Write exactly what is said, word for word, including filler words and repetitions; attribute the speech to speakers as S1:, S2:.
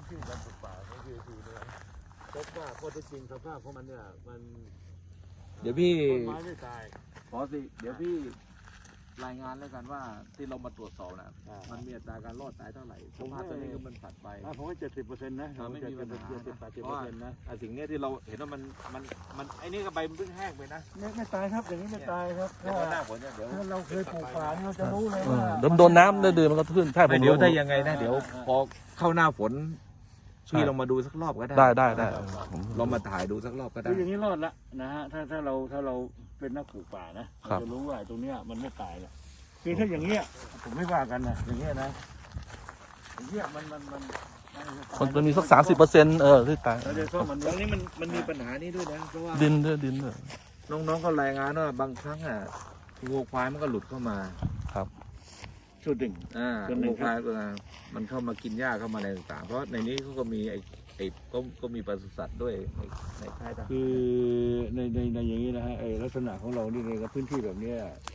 S1: ที่การปลูกป่าของพีทีเนี่ยพบว่าข้อเท็จจริงสภาพของมันเนี่ยมัน
S2: เดี๋ยวพี่
S1: ต้นไม้ไม่ตาย
S2: ขอสิเดี๋ยวพี่รายงานแล้วกันว่าที่เรามาตรวจสอบนะ
S1: อ่า
S2: มันมีอัตราการรอดตายเท่าไหร่
S1: ผ
S2: ส
S1: ม
S2: ภาพ
S1: ให้
S2: ตอนนี้คือมันผัดไป
S1: อ่าผมว่าเจ็ดสิบเปอร์เซ็นต์นะ
S2: เออไม่มีปัญหา
S1: เจ็ดสิบแปดสิบ
S2: เพ
S1: เปอ
S2: ราะ
S1: ร์
S2: ว่า
S1: เซ็นต์นะ
S2: อ่ะสิ่งเนี้ยที่เราเห็นว่ามันมันมันไอ้นี่ก็ใบมันเพิ่งแห้งไปนะ
S1: ไม่ไม่ตายครับอย่างนี้ไม่ตายครับ
S2: เดี๋ยวพอหน้าฝนเนี่ยเดี๋ยว
S1: ถ้าเราเคยปลูกป่าเนี่ยเราจะรู้เลย
S3: เอ
S1: ว่า
S3: อโดนโดนน้ำได้ดื่มมันก็ขึ้นใช่ผม
S2: ไม่เดี๋ยว
S3: รู้
S2: ถ้ายังไงนะเดี๋ยวพอเข้าหน้าฝนพี่ลองมาดูสักรอบก็ได้
S3: ได้ได้ได้ผม
S2: ลองมาถ่ายดูสักรอบก็ได้
S1: คืออย่างนี้รอดละนะฮะถ้าถ้าเราถ้าเราเป็นนักปลูกป่านะเราจะรู้ว่าตรงเนี้ยมันไม่ตายละคือถ้าอย่างเงี้ยผมไม่ว่ากันนะอย่างเงี้ยนะอย่างเงี้ยมันมันมัน
S3: มันมันมีสักสามสิบเปอร์เซ็นต์เออที่ตาย
S1: แล้วเดี๋ยวก็มัน
S2: ตรงนี้มันมันมีปัญหานี้ด้วยนะเพราะว่า
S3: ดินด้วยดินด้วย
S2: น้องๆก็รายงานว่าบางครั้งอ่ะงูควายมันก็หลุดเข้ามา
S1: ชุดหนึ่ง
S2: อ่า
S1: ส่วนหนึ่
S2: งู
S1: ง
S2: ควายเวลามันเข้ามากินหญ้าเข้ามาอะไรต่างๆเพราะในนี้เขาก็มีไอ้ไอ้ก็ก็มีปศุสัตว์ด้วยในในค่ายทหาร
S1: คือในในในอย่างนี้นะฮะไอลักษณะของเรานี่ในพื้นที่แบบเนี้ย